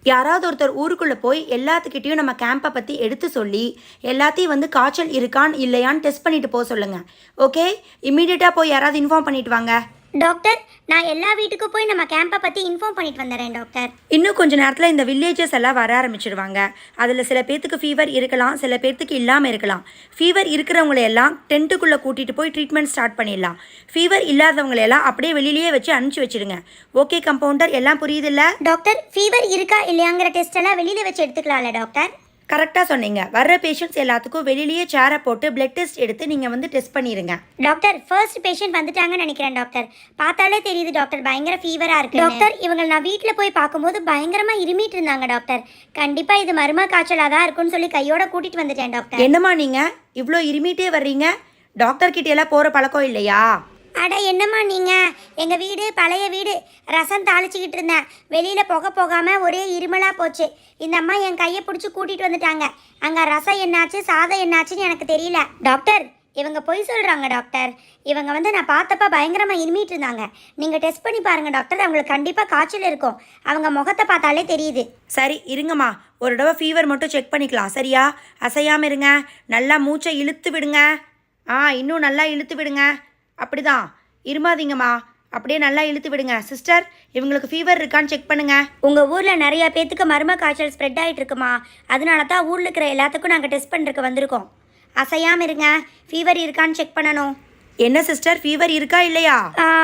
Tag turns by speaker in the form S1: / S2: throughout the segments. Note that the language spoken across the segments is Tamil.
S1: யாராவது ஒருத்தர் ஊருக்குள்ளே போய் எல்லாத்துக்கிட்டையும் நம்ம கேம்பை பற்றி எடுத்து சொல்லி எல்லாத்தையும் வந்து காய்ச்சல் இருக்கான்னு இல்லையான்னு டெஸ்ட் பண்ணிட்டு போக சொல்லுங்கள். ஓகே, இமீடியட்டாக போய் யாராவது இன்ஃபார்ம் பண்ணிட்டு வாங்க.
S2: டாக்டர், நான் எல்லா வீட்டுக்கும் போய் நம்ம கேம்பை பற்றி இன்ஃபார்ம் பண்ணிட்டு வந்துடுறேன் டாக்டர்.
S1: இன்னும் கொஞ்சம் நேரத்தில் இந்த வில்லேஜஸ் எல்லாம் வர ஆரம்பிச்சிடுவாங்க. அதில் சில பேர்த்துக்கு ஃபீவர் இருக்கலாம், சில பேர்த்துக்கு இல்லாமல் இருக்கலாம். ஃபீவர் இருக்கிறவங்களை எல்லாம் டென்ட்டுக்குள்ளே கூட்டிகிட்டு போய் ட்ரீட்மெண்ட் ஸ்டார்ட் பண்ணிடலாம். ஃபீவர் இல்லாதவங்களையெல்லாம் அப்படியே வெளியிலேயே வச்சு அனுப்பிச்சி வச்சுடுங்க. ஓகே கம்பவுண்டர், எல்லாம் புரியுதில்ல?
S2: டாக்டர், ஃபீவர் இருக்கா இல்லையாங்கிற டெஸ்ட் எல்லாம் வெளியில் வச்சு எடுத்துக்கலாம்ல டாக்டர்?
S1: கரெக்டாக சொன்னீங்க. வர்ற பேஷண்ட்ஸ் எல்லாத்துக்கும் வெளியிலேயே சேரை போட்டு பிளட் டெஸ்ட் எடுத்து நீங்கள் வந்து டெஸ்ட் பண்ணிடுங்க.
S2: டாக்டர், ஃபர்ஸ்ட் பேஷண்ட் வந்துட்டாங்கன்னு நினைக்கிறேன் டாக்டர். பார்த்தாலே தெரியுது டாக்டர், பயங்கர ஃபீவராக இருக்குது டாக்டர். இவங்க நான் வீட்டில் போய் பார்க்கும்போது பயங்கரமாக இருமிட்டு இருந்தாங்க டாக்டர். கண்டிப்பாக இது மர்ம காய்ச்சலாக தான் இருக்குன்னு சொல்லி கையோட கூட்டிகிட்டு வந்துட்டேன் டாக்டர்.
S1: என்னம்மா நீங்கள் இவ்வளோ இருமிட்டே வர்றீங்க? டாக்டர் கிட்ட எல்லாம் போகிற பழக்கம் இல்லையா?
S2: அட என்னம்மா நீங்கள், எங்கள் வீடு பழைய வீடு, ரசம் தாளிச்சிக்கிட்டு இருந்தேன். வெளியில் புகை போகாமல் ஒரே இருமலாக போச்சு. இந்த அம்மா என் கையை பிடிச்சி கூட்டிகிட்டு வந்துட்டாங்க. அங்கே ரசம் என்னாச்சு சாதம் என்னாச்சுன்னு எனக்கு தெரியல டாக்டர். இவங்க பொய் சொல்கிறாங்க டாக்டர். இவங்க வந்து நான் பார்த்தப்ப பயங்கரமாக இருமிட்டு இருந்தாங்க. நீங்கள் டெஸ்ட் பண்ணி பாருங்கள் டாக்டர், அவங்களுக்கு கண்டிப்பாக காய்ச்சல் இருக்கும். அவங்க முகத்தை பார்த்தாலே தெரியுது.
S1: சரி இருங்கம்மா, ஒரு தடவை ஃபீவர் மட்டும் செக் பண்ணிக்கலாம். சரியா? அசையாமல் இருங்க. நல்லா மூச்சை இழுத்து விடுங்க. இன்னும் நல்லா இழுத்து விடுங்க. அப்படிதான், இருமாதீங்கம்மா. அப்படியே நல்லா இழுத்து விடுங்க. சிஸ்டர், இவங்களுக்கு ஃபீவர் இருக்கான்னு செக் பண்ணுங்க.
S2: உங்கள் ஊரில் நிறைய பேத்துக்கு மர்ம காய்ச்சல் ஸ்ப்ரெட் ஆகிட்டு இருக்குமா, அதனால தான் ஊரில் இருக்கிற எல்லாத்துக்கும் நாங்கள் டெஸ்ட் பண்ணுறதுக்கு வந்திருக்கோம். அசையாமல் இருங்க, ஃபீவர் இருக்கான்னு செக் பண்ணணும்.
S1: என்ன சிஸ்டர், ஃபீவர் இருக்கா இல்லையா?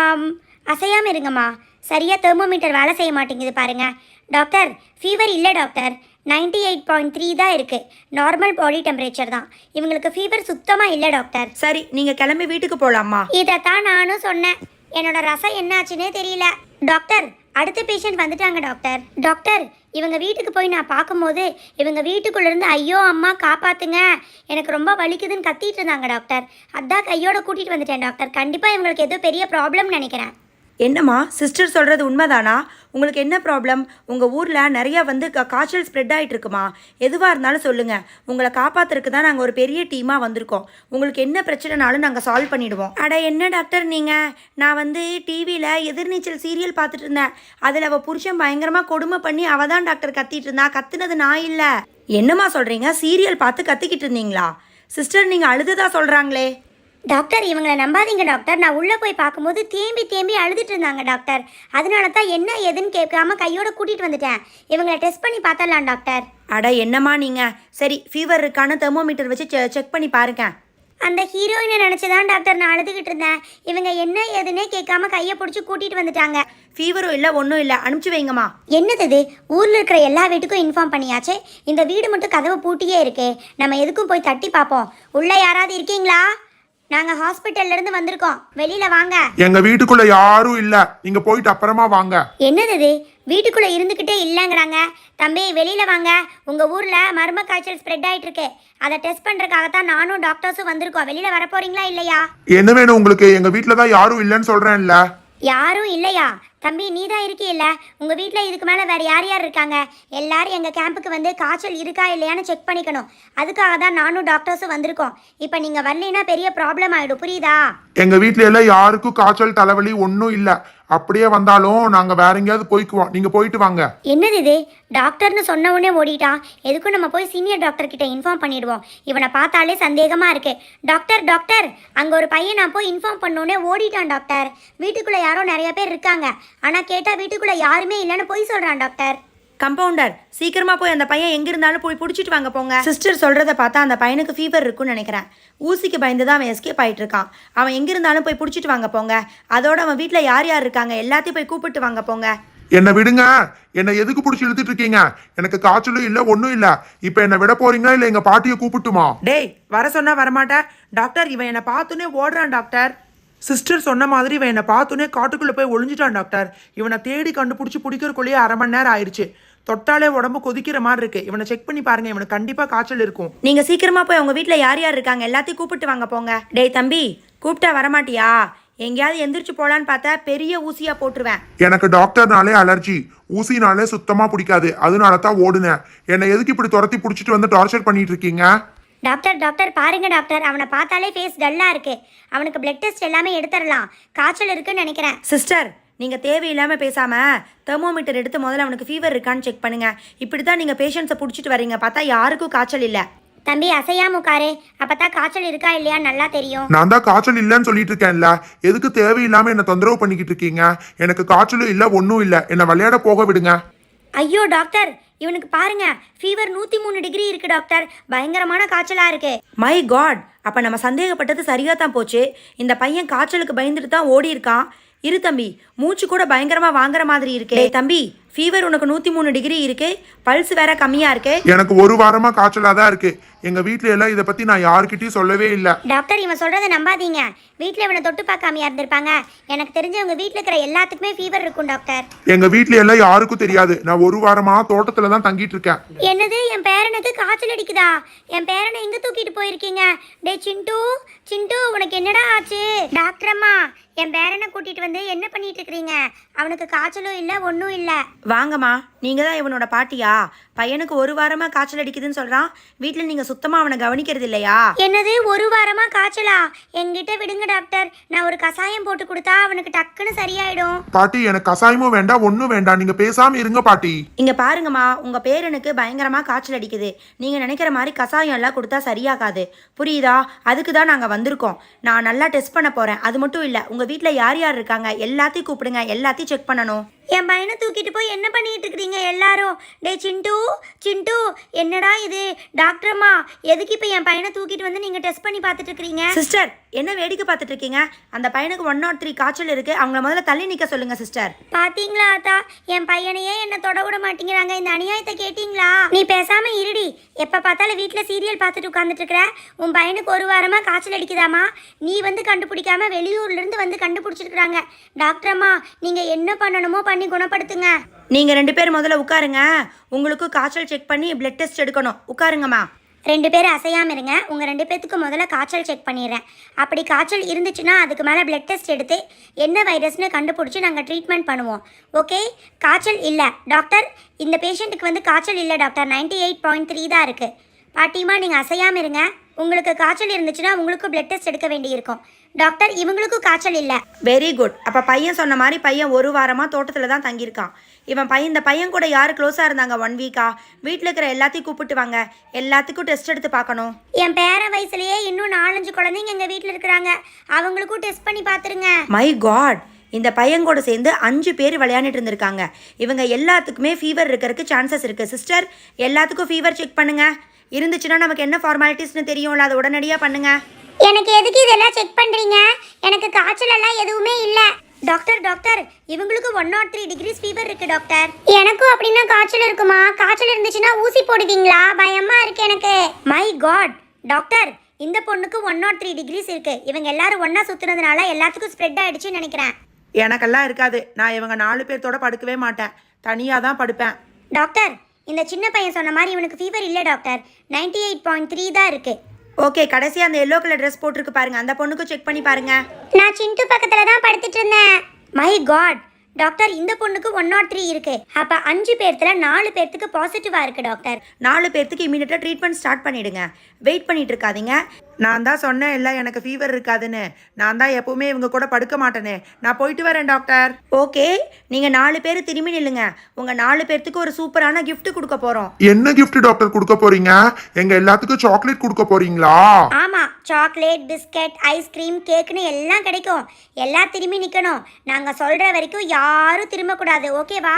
S2: அசையாமல் இருங்கம்மா. சரியாக தெர்மோமீட்டர் வேலை செய்ய மாட்டேங்குது பாருங்க டாக்டர். ஃபீவர் இல்லை டாக்டர், 98.3 தான் இருக்குது. நார்மல் பாடி டெம்பரேச்சர் தான். இவங்களுக்கு ஃபீவர் சுத்தமாக இல்லை டாக்டர்.
S1: சரி, நீங்கள் கிளம்பி வீட்டுக்கு போகலாமா?
S2: இதைத்தான் நானும் சொன்னேன். என்னோட ரசம் என்னாச்சுன்னே தெரியல டாக்டர். அடுத்த பேஷண்ட் வந்துட்டாங்க டாக்டர். டாக்டர், இவங்க வீட்டுக்கு போய் நான் பார்க்கும்போது இவங்க வீட்டுக்குள்ளேருந்து ஐயோ அம்மா காப்பாற்றுங்க, எனக்கு ரொம்ப வலிக்குதுன்னு கத்திட்டு இருந்தாங்க டாக்டர். அதான் கையோட கூட்டிகிட்டு வந்துட்டேன் டாக்டர். கண்டிப்பாக இவங்களுக்கு ஏதோ பெரிய ப்ராப்ளம்னு நினைக்கிறேன்.
S1: என்னம்மா சிஸ்டர் சொல்கிறது உண்மைதானா? உங்களுக்கு என்ன ப்ராப்ளம்? உங்கள் ஊரில் நிறையா வந்து காய்ச்சல் ஸ்ப்ரெட் ஆகிட்டு இருக்குமா? எதுவாக இருந்தாலும் சொல்லுங்கள். உங்களை காப்பாற்றுறதுக்கு தான் நாங்கள் ஒரு பெரிய டீமாக வந்திருக்கோம். உங்களுக்கு என்ன பிரச்சனைனாலும் நாங்கள் சால்வ் பண்ணிவிடுவோம். அட என்ன டாக்டர் நீங்கள், நான் வந்து டிவியில் எதிர்நீச்சல் சீரியல் பார்த்துட்டு இருந்தேன். அதில் அவள் புருஷன் பயங்கரமாக கொடுமை பண்ணி அவள் தான் டாக்டர் கத்திட்டு இருந்தா. கத்துனது நான் இல்லை. என்னம்மா சொல்கிறீங்க? சீரியல் பார்த்து கத்திக்கிட்டு இருந்தீங்களா? சிஸ்டர், நீங்கள் அழுதுதா சொல்கிறாங்களே.
S2: டாக்டர், இவங்களை நம்பாதீங்க டாக்டர். நான் உள்ளே போய் பார்க்கும்போது தேம்பி தேம்பி அழுதுட்டு இருந்தாங்க டாக்டர். அதனால தான் என்ன ஏதுன்னு கேட்காம கையோட கூட்டிகிட்டு வந்துட்டேன். இவங்களை டெஸ்ட் பண்ணி பார்த்தரலாம் டாக்டர்.
S1: அட என்னம்மா நீங்கள், சரி ஃபீவர் இருக்கான்னு தெர்மோமீட்டர் வச்சு செக் பண்ணி பாருங்க.
S2: அந்த ஹீரோயினை நினச்சி தான் டாக்டர் நான் அழுதுகிட்டு இருந்தேன். இவங்க என்ன ஏதுன்னே கேட்காம கையை பிடிச்சி கூட்டிகிட்டு வந்துட்டாங்க.
S1: ஃபீவரும் இல்லை ஒன்றும் இல்லை, அனுப்பிச்சி வைங்கம்மா.
S2: என்னது இது, ஊரில் இருக்கிற எல்லா வீட்டுக்கும் இன்ஃபார்ம் பண்ணியாச்சு. இந்த வீடு மட்டும் கதவு பூட்டியே இருக்கே. நம்ம எதுக்கும் போய் தட்டி பார்ப்போம். உள்ளே யாராவது இருக்கீங்களா? நாங்க ஹாஸ்பிட்டல்ல இருந்து வந்திருக்கோம், வெளியில வாங்க.
S3: எங்க வீட்டுக்குள்ள யாரும் இல்ல, நீங்க போயிட்டு அப்புறமா வாங்க.
S2: என்னது இது, வீட்டுக்குள்ள இருந்துகிட்டே இல்லங்கறாங்க. தம்பி வெளியில வாங்க. உங்க ஊர்ல மர்ம காய்ச்சல் ஸ்ப்ரெட் ஆயிட்டு இருக்கு. அதை டெஸ்ட் பண்றதுக்காக தான் நானும் டாக்டர்ஸும் வந்திருக்கோம். வெளியில வர போறீங்களா இல்லையா?
S3: என்ன வேணும் உங்களுக்கு? எங்க வீட்டுல தான் யாரும் இல்லன்னு சொல்றேன்ல.
S2: யாரும் இல்லையா? தம்பி நீ தான் இருக்கீல்ல, உங்கள் வீட்டில் இதுக்கு மேலே வேறு யார் யார் இருக்காங்க? எல்லாரும் எங்கள் கேம்புக்கு வந்து காய்ச்சல் இருக்கா இல்லையான்னு செக் பண்ணிக்கணும். அதுக்காக தான் நானும் டாக்டர்ஸும் வந்திருக்கோம். இப்போ நீங்கள் வரலைன்னா பெரிய ப்ராப்ளம் ஆகிடும், புரியுதா?
S3: எங்க வீட்டுல எல்லாம் யாருக்கும் காய்ச்சல் தலைவலி ஒன்றும் இல்லை. அப்படியே வந்தாலும் நாங்க வேற எங்கேயாவது போய்க்குவோம், நீங்க போயிட்டு வாங்க.
S2: என்னது இது, டாக்டர்னு சொன்ன உடனே ஓடிட்டான். எதுக்கும் நம்ம போய் சீனியர் டாக்டர் கிட்ட இன்ஃபார்ம் பண்ணிடுவோம். இவனை பார்த்தாலே சந்தேகமா இருக்கு. டாக்டர் டாக்டர், அங்க ஒரு பையன் நான் போய் இன்ஃபார்ம் பண்ணோடனே ஓடிட்டான் டாக்டர். வீட்டுக்குள்ள யாரோ நிறைய பேர் இருக்காங்க, ஆனா கேட்டா வீட்டுக்குள்ள யாருமே இல்லைன்னு போய் சொல்றான் டாக்டர்.
S1: கம்பவுண்டர், சீக்கிரமா போய் அந்த பையன் எங்க இருந்தாலும் போய் பிடிச்சிட்டு வாங்க போங்க. சிஸ்டர் சொல்றத பார்த்தா அந்த பையனுக்கு ஃபீவர் இருக்குன்னு நினைக்கிறேன். ஊசிக்கு பயந்து தான் அவன் எஸ்கேப் ஆயிட்டு இருக்கான். அவன் எங்க இருந்தாலும் போய் பிடிச்சிட்டு வாங்க போங்க. அதோட அவன் வீட்டுல யார் யார் இருக்காங்க எல்லாத்தையும் போய் கூப்பிட்டு வாங்க போங்க.
S3: என்ன விடுங்க. என்ன எதுக்கு பிடிச்சி இழுத்துட்டு இருக்கீங்க? எனக்கு காய்ச்சலும் இல்ல ஒன்னும் இல்ல. இப்ப என்ன விட போறீங்களா இல்ல எங்க பாட்டியை கூப்பிட்டுமா?
S1: டேய், வர சொன்னா வரமாட்டா? டாக்டர், இவன் என்னை பார்த்துனே ஓடுறான் டாக்டர்.
S4: சிஸ்டர் சொன்ன மாதிரி இவன் என்னை பார்த்துனே காட்டுக்குள்ளே போய் ஒளிஞ்சிட்டான் டாக்டர். இவனை தேடி கண்டுபிடிச்சி பிடிக்கிறக்குள்ளேயே 1/2 மணி நேரம் ஆயிடுச்சு. தொட்டாலே உடம்பு கொதிக்கிற மாதிரி இருக்கு. இவனை செக் பண்ணி பாருங்க, இவனுக்கு கண்டிப்பாக காய்ச்சல் இருக்கும்.
S1: நீங்க சீக்கிரமா போய் உங்க வீட்டில் யார் யார் இருக்காங்க எல்லாத்தையும் கூப்பிட்டு வாங்க போங்க. டேய் தம்பி, கூப்பிட்டா வரமாட்டியா? எங்கேயாவது எந்திரிச்சு போலான்னு பார்த்தா பெரிய ஊசியா போட்டுருவேன்.
S3: எனக்கு டாக்டர்னாலே அலர்ஜி, ஊசினாலே சுத்தமா பிடிக்காது. அதனால தான் ஓடுனேன். என்னை எதுக்கு இப்படி துரத்தி பிடிச்சிட்டு வந்து டார்ச்சர் பண்ணிட்டு இருக்கீங்க?
S2: டாக்டர் டாக்டர் பாருங்க டாக்டர், அவனை பார்த்தாலே ஃபேஸ் டல்லா இருக்கு. அவனுக்கு பிளட் டெஸ்ட் எல்லாமே எடுத்துடலாம். காய்ச்சல் இருக்குன்னு நினைக்கிறேன்.
S1: சிஸ்டர், நீங்கள் தேவையில்லாமல் பேசாமல் தெர்மோமீட்டர் எடுத்து முதல்ல அவனுக்கு ஃபீவர் இருக்கான்னு செக் பண்ணுங்கள். இப்படி தான் நீங்கள் பேஷண்ட்ஸை பிடிச்சிட்டு வரீங்க, பார்த்தா யாருக்கும் காய்ச்சல் இல்லை.
S2: தம்பி அசையாம உட்காரு, அப்பதான் காய்ச்சல் இருக்கா இல்லையா நல்லா தெரியும்.
S3: நான் தான் காய்ச்சல் இல்லைன்னு சொல்லிட்டு இருக்கேன்ல, எதுக்கு தேவையில்லாம என்ன தொந்தரவு பண்ணிக்கிட்டு இருக்கீங்க? எனக்கு காய்ச்சலும் இல்லை, ஒன்றும் இல்லை, என்னை விளையாட போக விடுங்க.
S2: ஐயோ டாக்டர், இவனுக்கு பாருங்க ஃபீவர் 103 டிகிரி இருக்கு டாக்டர், பயங்கரமான காய்ச்சலா இருக்கு.
S1: மை காட், அப்போ நம்ம சந்தேகப்பட்டது சரியாக தான் போச்சு. இந்த பையன் காய்ச்சலுக்கு பயந்துட்டு தான் ஓடி இருக்கான். இரு தம்பி, மூச்சு கூட பயங்கரமாக வாங்குற மாதிரி இருக்கு. டேய் தம்பி, ஃபீவர் உனக்கு 103 டிகிரி இருக்கு, பல்ஸ் வேற கம்மியாக இருக்கு.
S3: எனக்கு ஒரு வாரமா காய்ச்சலாக தான் இருக்கு. எங்க வீட்ல எல்லாம் இதை பத்தி நான் யாருக்கிட்டையும் சொல்லவே இல்லை.
S2: டாக்டர் இவன் சொல்றதை நம்பாதீங்க, வீட்டில் இவனை தொட்டு பார்க்காமையா இருந்திருப்பாங்க. எனக்கு தெரிஞ்சவங்க வீட்டில் இருக்கிற எல்லாத்துக்குமே ஃபீவர் இருக்கும் டாக்டர்.
S3: எங்க வீட்ல எல்லாம் யாருக்கும் தெரியாது. நான் ஒரு வாரமா தோட்டத்துல தான் தங்கிட்டு இருக்கேன்.
S2: என்னது, என் பேரனுக்கு காய்ச்சல் அடிக்குதா? என் பேரனை எங்க தூக்கிட்டு போயிருக்கீங்க? டே சிண்டு, சிண்டு உனக்கு என்னடா ஆச்சு? டாக்டர் அம்மா, என் பேரனை கூட்டிட்டு வந்து என்ன பண்ணிட்டு இருக்கிறீங்க? அவனுக்கு காய்ச்சலும் இல்லை, ஒன்றும் இல்லை.
S1: வாங்கம்மா, நீங்கள் தான் இவனோட பாட்டியா? பையனுக்கு ஒரு வாரமாக காய்ச்சல் அடிக்குதுன்னு சொல்கிறான். வீட்டில் நீங்கள் சுத்தமாக அவனை கவனிக்கிறது இல்லையா?
S2: என்னது, ஒரு வாரமா காய்ச்சலா? என்கிட்ட விடுங்க டாக்டர், நான் ஒரு கசாயம் போட்டு கொடுத்தா அவனுக்கு டக்குன்னு சரியாயிடும்.
S3: பாட்டி, எனக்கு கசாயமும் வேண்டாம், ஒன்றும் வேண்டாம், நீங்க பேசாம இருங்க பாட்டி.
S1: இங்கே பாருங்கம்மா, உங்கள் பேரனுக்கு பயங்கரமாக காய்ச்சல் அடிக்குது. நீங்கள் நினைக்கிற மாதிரி கசாயம் எல்லாம் கொடுத்தா சரியாகாது, புரியுதா? அதுக்கு தான் நாங்கள் வந்திருக்கோம். நான் நல்லா டெஸ்ட் பண்ண போகிறேன். அது மட்டும் இல்லை, உங்கள் வீட்டில் யார் யார் இருக்காங்க எல்லாத்தையும் கூப்பிடுங்க, எல்லாத்தையும் செக் பண்ணணும்.
S2: என் பையனை தூக்கிட்டு போய் என்ன பண்ணிட்டு இருக்கிறீங்க எல்லாரும்? டே சிண்டு, சிண்டு என்னடா இது? டாக்டர் அம்மா, எதுக்கு இப்போ என் பையனை தூக்கிட்டு வந்து நீங்கள் டெஸ்ட் பண்ணி பார்த்துட்டு இருக்கிறீங்க?
S1: சிஸ்டர், என்ன வேடிக்கை பார்த்துட்டு இருக்கீங்க? அந்த பையனுக்கு 103 காய்ச்சல் இருக்கு. அவங்கள முதல்ல தள்ளி நிற்க சொல்லுங்க சிஸ்டர்.
S2: பாத்தீங்களா ஆத்தா, என் பையனையே என்ன தொட விட மாட்டேங்கிறாங்க. இந்த அநியாயத்தை கேட்டீங்களா? நீ பேசாம இருடி, எப்ப பார்த்தாலும் வீட்டில் சீரியல் பார்த்துட்டு உட்காந்துட்டு இருக்கிற. உன் பையனுக்கு ஒரு வாரமா காய்ச்சல் அடிக்குதாமா? நீ வந்து கண்டுபிடிக்காம வெளியூர்ல இருந்து வந்து கண்டுபிடிச்சிருக்காங்க. டாக்டர் அம்மா, நீங்க என்ன பண்ணணுமோ பண்ணி குணப்படுத்துங்க.
S1: நீங்கள் 2 பேர் முதல்ல உட்காருங்க. உங்களுக்கு காய்ச்சல் செக் பண்ணி பிளட் டெஸ்ட் எடுக்கணும். உட்காருங்கம்மா.
S2: 2 பேரும் அசையாமல் இருங்க. உங்கள் 2 பேத்துக்கு முதல்ல காய்ச்சல் செக் பண்ணிடுறேன். அப்படி காய்ச்சல் இருந்துச்சுன்னா அதுக்கு மேலே பிளட் டெஸ்ட் எடுத்து என்ன வைரஸ்னு கண்டுபிடிச்சி நாங்கள் ட்ரீட்மெண்ட் பண்ணுவோம். ஓகே, காய்ச்சல் இல்லை டாக்டர், இந்த பேஷண்ட்டுக்கு வந்து காய்ச்சல் இல்லை டாக்டர், 98.3 தான் இருக்குது. பாட்டிமா, நீங்கள் அசையாமல் இருங்க. உங்களுக்கு காய்ச்சல் இருந்துச்சுன்னா உங்களுக்கும் பிளட் டெஸ்ட் எடுக்க வேண்டியிருக்கும். டாக்டர், இவங்களுக்கும் காய்ச்சல் இல்லை.
S1: Very good. அப்போ பையன் சொன்ன மாதிரி பையன் ஒரு வாரமாக தோட்டத்தில் தான் தங்கியிருக்கான். இந்த பையன் கூட யார் க்ளோஸாக இருந்தாங்க 1 வீக்கா? வீட்டில் இருக்கிற எல்லாத்தையும் கூப்பிட்டு வாங்க, எல்லாத்துக்கும் டெஸ்ட் எடுத்து பார்க்கணும்.
S2: என் பேர வயசுலேயே இன்னும் 4-5 குழந்தைங்க எங்கள் வீட்டில் இருக்கிறாங்க, அவங்களுக்கும் டெஸ்ட் பண்ணி பார்த்துருங்க.
S1: மை காட், இந்த பையன் கூட சேர்ந்து 5 பேர் விளையாண்டுட்டு இருந்திருக்காங்க. இவங்க எல்லாத்துக்குமே ஃபீவர் இருக்கிறதுக்கு சான்சஸ் இருக்குது. சிஸ்டர், எல்லாத்துக்கும் ஃபீவர் செக் பண்ணுங்க. இருந்துச்சுன்னா நமக்கு என்ன ஃபார்மாலிட்டிஸ்னு தெரியும்ல, அதை உடனடியாக பண்ணுங்க.
S2: எனக்கு எதுக்கு இதெல்லாம் செக் பண்ணுறீங்க? எனக்கு காய்ச்சல் எல்லாம் எதுவுமே இல்லை. டாக்டர், டாக்டர் இவங்களுக்கு 103 டிகிரிஸ் ஃபீவர் இருக்கு டாக்டர். எனக்கும் அப்படின்னா காய்ச்சல் இருக்குமா? காய்ச்சல் இருந்துச்சுன்னா ஊசி போடுவீங்களா? பயமா இருக்கு எனக்கு. மை காட் டாக்டர், இந்த பொண்ணுக்கு 103 டிகிரிஸ் இருக்கு. இவங்க எல்லாரும் ஒண்ணா சுத்துனதுனால எல்லாத்துக்கும் ஸ்ப்ரெட் ஆயிடுச்சுன்னு நினைக்கிறேன்.
S4: எனக்கெல்லாம் இருக்காது. நான் இவங்க 4 பேர்த்தோட படுக்கவே மாட்டேன், தனியாக தான் படுப்பேன்.
S2: டாக்டர், இந்த சின்ன பையன் சொன்ன மாதிரி இவனுக்கு ஃபீவர் இல்லை டாக்டர், 98.3 தான் இருக்கு.
S1: ஓகே, கடைசியாக அந்த எல்லோ கலர் ட்ரெஸ் போட்டிருக்கு பாருங்க, அந்த பொண்ணுக்கும் செக் பண்ணி பாருங்க.
S2: நான் சிண்டு பக்கத்துல தான் படுத்துட்டு இருந்தேன். மை காட் டாக்டர், இந்த பொண்ணுக்கு 103 இருக்கு. அப்ப 5 பேர்த்துல 4 பேர்த்துக்கு பாசிட்டிவா இருக்கு டாக்டர்.
S1: 4 பேர்த்துக்கு இமீடியட்டாக ட்ரீட்மெண்ட் ஸ்டார்ட் பண்ணிடுங்க. வெயிட் பண்ணிட்டு இருக்காதீங்க.
S4: நான் தான் சொன்னேன் இல்லை எனக்கு ஃபீவர் இருக்காதுன்னு. நான் தான் எப்பவுமே இவங்க கூட படுக்க மாட்டேனே. நான் போயிட்டு வரேன் டாக்டர்.
S1: ஓகே, நீங்கள் 4 பேர் திரும்பி நில்லுங்க. உங்கள் 4 பேர்த்துக்கு ஒரு சூப்பரான gift கொடுக்க போகிறோம்.
S3: என்ன gift டாக்டர் கொடுக்க போறீங்க? எங்க எல்லாத்துக்கும் சாக்லேட் கொடுக்க போறீங்களா?
S2: ஆமா, சாக்லேட், பிஸ்கட், ஐஸ்கிரீம், கேக்னு எல்லாம் கிடைக்கும். எல்லாம் திரும்பி நிக்கணும். நாங்க சொல்ற வரைக்கும் யாரும் திரும்ப கூடாது. ஓகேவா?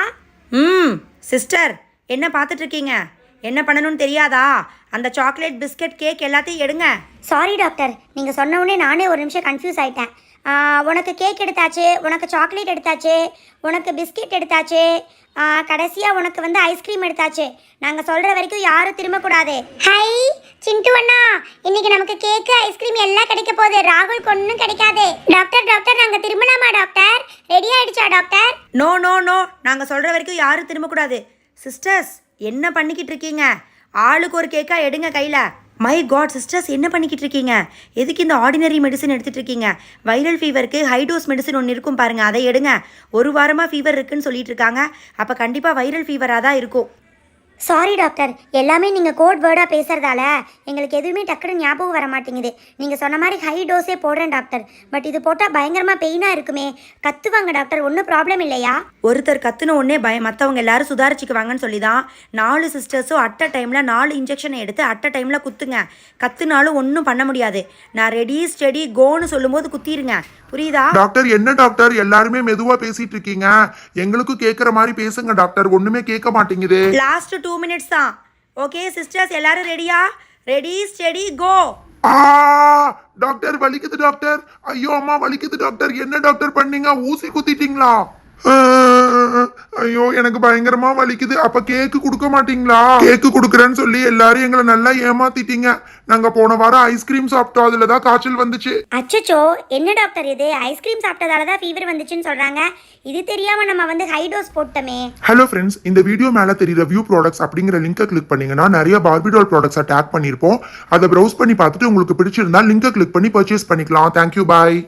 S1: சிஸ்டர், என்ன பார்த்துட்டு இருக்கீங்க? என்ன பண்ணணும்னு தெரியாதா? அந்த சாக்லேட், பிஸ்கட், கேக் எல்லாத்தையும் எடுங்க.
S2: சாரி டாக்டர், நீங்க சொன்ன உடனே நானே ஒரு நிமிஷம் கன்ஃபியூஸ் ஆயிட்டேன். உனக்கு கேக் எடுத்தாச்சு, உனக்கு சாக்லேட் எடுத்தாச்சு, உனக்கு பிஸ்கெட் எடுத்தாச்சு, கடைசியாக உனக்கு வந்து ஐஸ்கிரீம் எடுத்தாச்சு. நாங்கள் சொல்கிற வரைக்கும் யாரும் திரும்பக்கூடாது. ஹை சிண்டு அண்ணா, இன்னைக்கு நமக்கு கேக்கு, ஐஸ்கிரீம் எல்லாம் கிடைக்க போகுது. ராகுல் ஒன்றும் கிடைக்காது. டாக்டர், டாக்டர் நாங்கள் திரும்பலாமா டாக்டர்? ரெடி ஆயிடுச்சா டாக்டர்?
S1: நோ நோ நோ, நாங்கள் சொல்கிற வரைக்கும் யாரும் திரும்பக்கூடாது. சிஸ்டர்ஸ், என்ன பண்ணிக்கிட்டு இருக்கீங்க? ஆளுக்கு ஒரு கேக்காக எடுங்க கையில். மை காட் சிஸ்டர்ஸ், என்ன பண்ணிக்கிட்டு இருக்கீங்க? எதுக்கு இந்த ஆர்டினரி மெடிசன் எடுத்துகிட்டு இருக்கீங்க? வைரல் ஃபீவருக்கு ஹை டோஸ் மெடிசன் ஒன்று இருக்கும் பாருங்கள், அதை எடுங்க. ஒரு வாரமாக ஃபீவர் இருக்குன்னு சொல்லிட்டு இருக்காங்க. அப்போ கண்டிப்பாக வைரல் ஃபீவராக தான் இருக்கும்.
S2: சாரி டாக்டர், எல்லாமே நீங்கள் கோட் வேர்டாக பேசுகிறதால எங்களுக்கு எதுவுமே டக்குன்னு ஞாபகம் வர மாட்டேங்குது. நீங்கள் சொன்ன மாதிரி ஹை டோஸே போடுறேன் டாக்டர். பட் இது போட்டால் பயங்கரமாக பெயினாக இருக்குமே. கத்துவாங்க டாக்டர், ஒன்றும் ப்ராப்ளம் இல்லையா?
S1: ஒருத்தர் கத்துன உடனே மற்றவங்க எல்லாரும் சுதாரிச்சுக்குவாங்கன்னு சொல்லி தான் 4 சிஸ்டர்ஸும் அட் அ டைமில் 4 இன்ஜெக்ஷனை எடுத்து அட் அ டைமில் குத்துங்க. கத்துனாலும் ஒன்றும் பண்ண முடியாது. நான் ரெடி ஸ்டெடி கோன்னு சொல்லும்போது குத்திருங்க, புரியுதா?
S3: டாக்டர் என்ன டாக்டர் எல்லாருமே மெதுவா பேசிட்டு இருக்கீங்க? எங்களுக்கும் கேட்குற மாதிரி பேசுங்க டாக்டர், ஒண்ணுமே கேட்க மாட்டேங்குது.
S1: லாஸ்ட் 2 மினிட்ஸ் தான். ஓகே சிஸ்டர்ஸ், எல்லாரும் ரெடியா? Ready steady go.
S3: ஆ டாக்டர் வலிக்குது டாக்டர். ஐயோ அம்மா வலிக்குது டாக்டர். என்ன டாக்டர் பண்ணீங்க? ஊசி குத்திட்டீங்களா? ஐயோ எனக்கு பயங்கரமா வலிக்குது. அப்ப கேக்கு கொடுக்க மாட்டீங்களா? கேக்கு கொடுக்குறேன்னு சொல்லி எல்லாரும் எங்களை நல்லா ஏமாத்திட்டீங்க. நாங்க போன வாரம் ஐஸ்கிரீம் சாப்பிட்டோம், அதுலதான் காய்ச்சல் வந்துச்சு.
S2: அச்சச்சோ, என்ன டாக்டர் இது? ஐஸ்கிரீம் சாப்பிட்டதால தான் ஃபீவர் வந்துச்சுன்னு சொல்கிறாங்க. இது தெரியாமல் நம்ம வந்து ஹை டோஸ் போட்டோமே.
S3: ஹலோ ஃப்ரெண்ட்ஸ், இந்த வீடியோ மேல தெரியுற வியூ ப்ராடக்ட்ஸ் அப்படிங்கிற லிங்கை கிளிக் பண்ணீங்கன்னா நிறைய பார்பிடால் ப்ராடக்ட்ஸை டேக் பண்ணியிருப்போம். அதை ப்ரௌஸ் பண்ணி பார்த்துட்டு உங்களுக்கு பிடிச்சிருந்தா லிங்கை கிளிக் பண்ணி பர்ச்சேஸ் பண்ணிக்கலாம். தேங்க்யூ, பாய்.